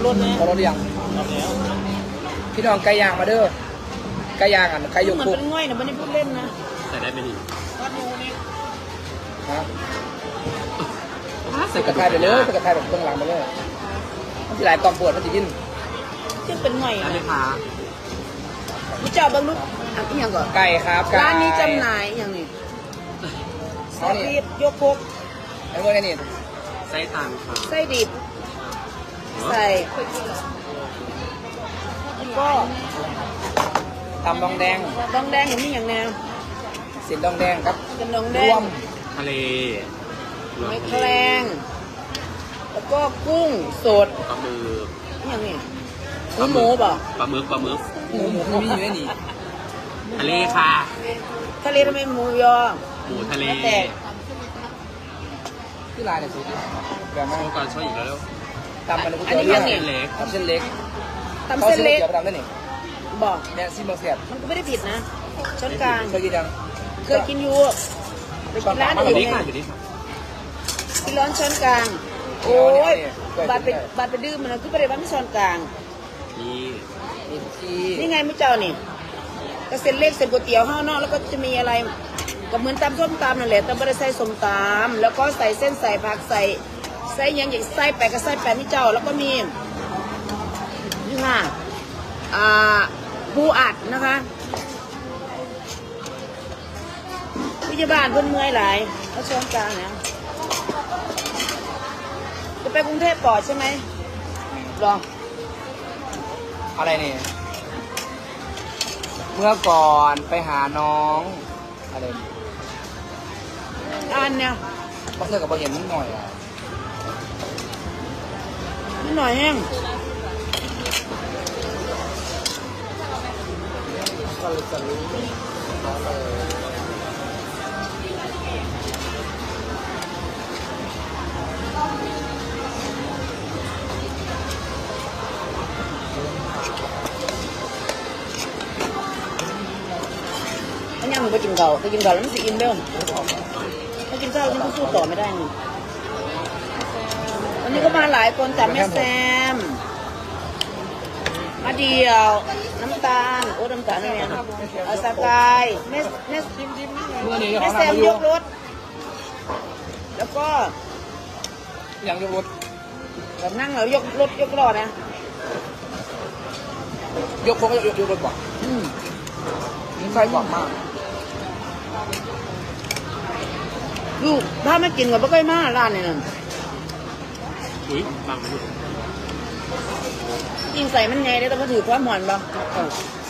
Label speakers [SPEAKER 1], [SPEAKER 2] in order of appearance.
[SPEAKER 1] รถนะ
[SPEAKER 2] ขอรถหรือยัง
[SPEAKER 1] รับแล้ว
[SPEAKER 2] พี่น้องไก่ย่างมาเด้อไก่ย่างอ่ะไก่ยก
[SPEAKER 1] เหมือน
[SPEAKER 2] คุก
[SPEAKER 1] เป็นง่อยนะไม่ได้พูดเล่นนะ
[SPEAKER 3] ใส่ได้ไหมนี่
[SPEAKER 1] วัดยูนี่
[SPEAKER 2] ฮะใส่กระทายไปเลยใส่กระทายแบบตรงหลังไปเลยมันจะหลายตอนปวดมันจะยิน
[SPEAKER 1] ซึ่งเป็นง่อย
[SPEAKER 3] ได้
[SPEAKER 1] นะ
[SPEAKER 3] ไหมคะ
[SPEAKER 1] ผู้เจ้าบางลูกอันนี้ยังก่อน
[SPEAKER 2] ไก่ครับไก่
[SPEAKER 1] ร้านนี้จำหน่ายอย่างนี้ซอสดิบยกพก
[SPEAKER 2] ไอ้เมื่อไงนี่
[SPEAKER 3] ไส้ตันค่ะ
[SPEAKER 1] ไส้ดิบใส่แล้วก็
[SPEAKER 2] ตำดองแดง
[SPEAKER 1] ดองแดงอย่างนี้อย่างแนว
[SPEAKER 2] เส้นดองแดงครับ
[SPEAKER 1] เป็นดองแด
[SPEAKER 2] รว
[SPEAKER 1] ง
[SPEAKER 2] ม
[SPEAKER 3] ทะเล
[SPEAKER 1] ไม่แคลงแล้วก็กุ้งสด
[SPEAKER 3] ปลาหมึก
[SPEAKER 1] อย่างนี้หมูบ่
[SPEAKER 3] ปลาหมึก
[SPEAKER 2] หมูมีอยู่ในนี่
[SPEAKER 3] ทะเลค่ะ
[SPEAKER 1] ทะเลทำไมหมูยอ
[SPEAKER 3] หมูทะเล
[SPEAKER 1] แล้วแต่
[SPEAKER 2] ที่ลายเนี่ยสูตรแบบมา
[SPEAKER 3] โชว์ก่อนโชว์อีกแล้วเร็ว
[SPEAKER 2] ตำมันเลยก๋วยเตี๋ยวเรือ
[SPEAKER 3] เส้นเล็ก
[SPEAKER 2] ตำเส้นเล็ก
[SPEAKER 1] ตำเส้นเล็ก
[SPEAKER 2] ขาซื้อก๋วยเตี๋ยวไปตำได้นี่
[SPEAKER 1] บอก
[SPEAKER 2] เนี่ยซิมเบอร์เสียบ
[SPEAKER 1] มันก็ไม่ได้ผิดนะช้อนกลาง
[SPEAKER 2] เคยกินยัง
[SPEAKER 1] เคยกินอยู่ไปกินร้าน
[SPEAKER 3] อ
[SPEAKER 1] อื่
[SPEAKER 3] ยู่
[SPEAKER 1] น
[SPEAKER 3] นี่
[SPEAKER 1] ไง
[SPEAKER 3] ค่ะอยู่นี่ค่ะ
[SPEAKER 1] กินร้อนช้อนกลาง โอ้ยบัตรไปดื้อมันนะคือไปได้บ้านช้อนกลาง
[SPEAKER 3] นี่
[SPEAKER 2] นี่ที่
[SPEAKER 1] นี่ไงมื้อเจ้านี่ก็เส้นเล็กเส้นก๋วยเตี๋ยวข้างนอกแล้วก็จะมีอะไรก็เหมือนตำส้มตำนั่นแหละแต่ไม่ได้ใส่ส้มตำแล้วก็ใส่เส้นใส่ผักใส่อย่างใส่แปะก็ใส่แปะนี่เจ้า แล้วก็มีนี่ค่ะปูอัดนะคะพยาบาลเพิ่นเมื่อยหลายเขาช้อนกลางเนี่ยจะไปกรุงเทพก่อนใช่ไหมรอ
[SPEAKER 2] อะไรนี่เมื่อก่อนไปหาน้องอะไรนี่
[SPEAKER 1] อันเนี่ย
[SPEAKER 2] ก็เสื้อกับเห็นนิดหน่อยอ่ะ
[SPEAKER 1] นิดหน่อยแห้ง
[SPEAKER 2] ก็เลยจะรู้
[SPEAKER 1] อันนี้มึงไปกินเก่าไปกินเก่าแล้วมันสิอินเด้อถ้ากินข้าวฉันก็สู้ต่อไม่ได้นี่วันนี้ก็มาหลายคนแต่แม่แซมมาเดียว น้ำตาลโอ้น้ำตาลนี่ไงสกายแม่
[SPEAKER 2] เมื่อนี้
[SPEAKER 1] แม่
[SPEAKER 2] เขา
[SPEAKER 1] แซ
[SPEAKER 2] ทำ
[SPEAKER 1] ม
[SPEAKER 2] มาย ย
[SPEAKER 1] กรถ แล้วก็
[SPEAKER 2] ยังยกรถ
[SPEAKER 1] แบบนั่งแล้วยกรถยกล้อนะ
[SPEAKER 2] ยกโค้งก็ยกรถบ่
[SPEAKER 1] อืม
[SPEAKER 2] นี่ใส่กว่ามาก
[SPEAKER 1] ลูกถ้าไม่กินก็ไม่ค่อยมาร้านนี่นั่น
[SPEAKER 3] อุ้ยบังไม่ถูก
[SPEAKER 1] ยิงใส่มันไงได้แต่มาถือความหวานบ้าง
[SPEAKER 2] เออ